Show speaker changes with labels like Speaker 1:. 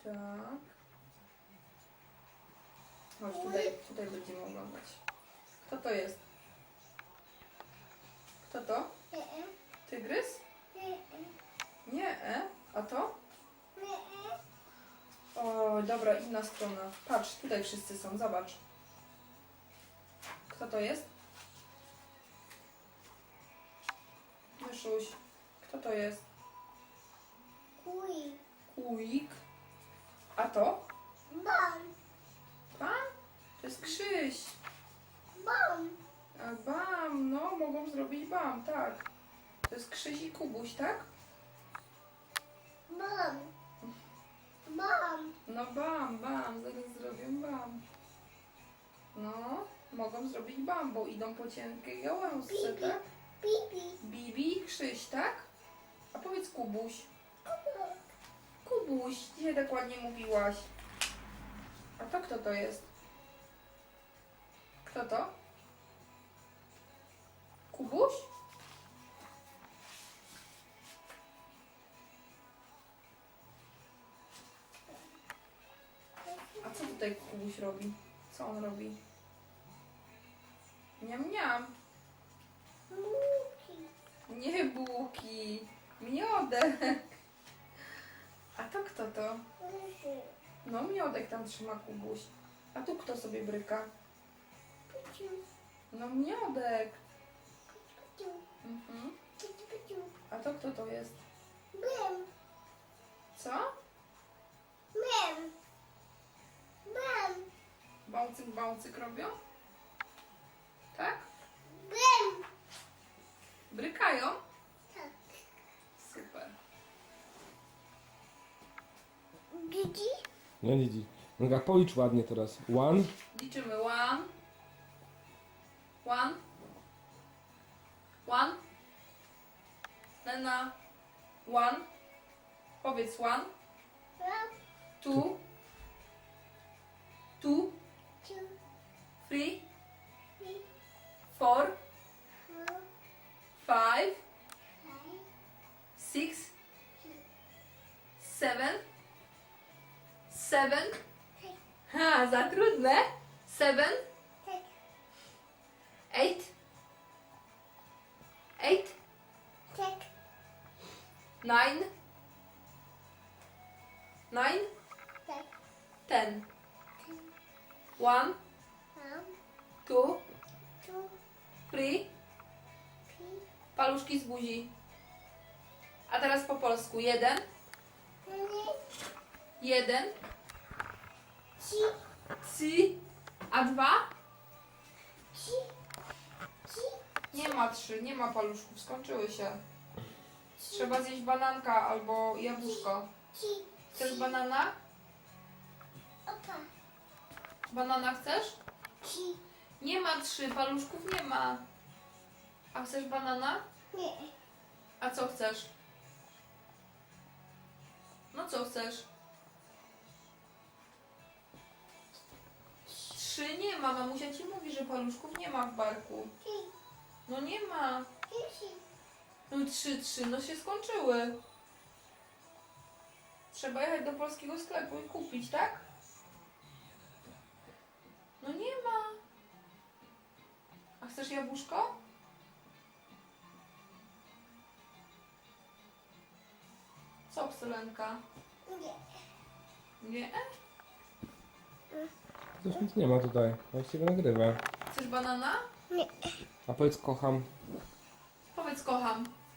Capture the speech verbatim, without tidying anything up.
Speaker 1: Tak. Chodź, tutaj, tutaj będziemy oglądać. Kto to jest? Kto to? Tygrys? Nie, e? A to? O, dobra, inna strona. Patrz, tutaj wszyscy są, zobacz. Kto to jest? Myszuś. Kto to jest?
Speaker 2: Kuj.
Speaker 1: Kujik. A to?
Speaker 2: Bam.
Speaker 1: Pan? To jest Krzyś.
Speaker 2: Bam.
Speaker 1: A bam, no, mogą zrobić bam, tak. To jest Krzyś i Kubuś, tak?
Speaker 2: Bam. Bam.
Speaker 1: No bam, bam, zaraz zrobią bam. No, mogą zrobić bam, bo idą po cienkiej gałązce,
Speaker 2: Bibi.
Speaker 1: tak?
Speaker 2: Bibi.
Speaker 1: Bibi i Krzyś, tak? A powiedz Kubuś. Kubuś, dzisiaj tak ładnie mówiłaś. A to kto to jest? Kto to? Kubuś? A co tutaj Kubuś robi? Co on robi? Niam, niam.
Speaker 2: Muki.
Speaker 1: Nie bułki. Miodek. A to kto to?
Speaker 2: Myszy.
Speaker 1: No miodek tam trzyma Kubuś. A tu kto sobie bryka?
Speaker 2: Piciu.
Speaker 1: No miodek.
Speaker 2: Piciu.
Speaker 1: Mhm.
Speaker 2: Piciu, piciu.
Speaker 1: A to kto to jest?
Speaker 2: Bim.
Speaker 1: Co?
Speaker 2: Bim. Bim.
Speaker 1: Bałcyk, bałcyk robią? Tak?
Speaker 2: Bim.
Speaker 1: Brykają?
Speaker 2: Tak.
Speaker 1: Super.
Speaker 2: Gigi.
Speaker 3: No Lidzi. No policz ładnie teraz. One.
Speaker 1: Liczymy. One. One. One. Lena. One. Powiedz one.
Speaker 2: Ram.
Speaker 1: Two. Two.
Speaker 2: Ciu.
Speaker 1: Three.
Speaker 2: Mi.
Speaker 1: Four.
Speaker 2: Fu.
Speaker 1: Five.
Speaker 2: Faj.
Speaker 1: Six. Seven. Seven.
Speaker 2: Tak.
Speaker 1: Ha, za trudne. Seven.
Speaker 2: Tak.
Speaker 1: Eight. Eight.
Speaker 2: Tak.
Speaker 1: Nine. Nine.
Speaker 2: Tak.
Speaker 1: Ten. One.
Speaker 2: Ram.
Speaker 1: Two.
Speaker 2: Tu.
Speaker 1: Three.
Speaker 2: Pi.
Speaker 1: Paluszki z buzi. A teraz po polsku. Jeden.
Speaker 2: Pili.
Speaker 1: Jeden.
Speaker 2: Ci.
Speaker 1: Trzy. A dwa?
Speaker 2: Ci. Ci.
Speaker 1: Nie ma trzy. Nie ma paluszków. Skończyły się. Trzeba zjeść bananka albo jabłuszko.
Speaker 2: Ci.
Speaker 1: Chcesz banana?
Speaker 2: Opa.
Speaker 1: Banana chcesz?
Speaker 2: Ci.
Speaker 1: Nie ma trzy. Paluszków nie ma. A chcesz banana?
Speaker 2: Nie.
Speaker 1: A co chcesz? No co chcesz? Trzy nie ma. Mamusia ci mówi, że paluszków nie ma w barku.
Speaker 2: Ci.
Speaker 1: No nie ma.
Speaker 2: Ci.
Speaker 1: No i trzy, trzy, no się skończyły. Trzeba jechać do polskiego sklepu i kupić, tak? No nie ma. A chcesz jabłuszko? Co, Psylenka?
Speaker 2: Nie.
Speaker 1: Nie?
Speaker 3: Coś nic nie ma tutaj. Właściwie nagrywa.
Speaker 1: Chcesz banana?
Speaker 2: Nie.
Speaker 3: A powiedz kocham.
Speaker 1: Powiedz kocham.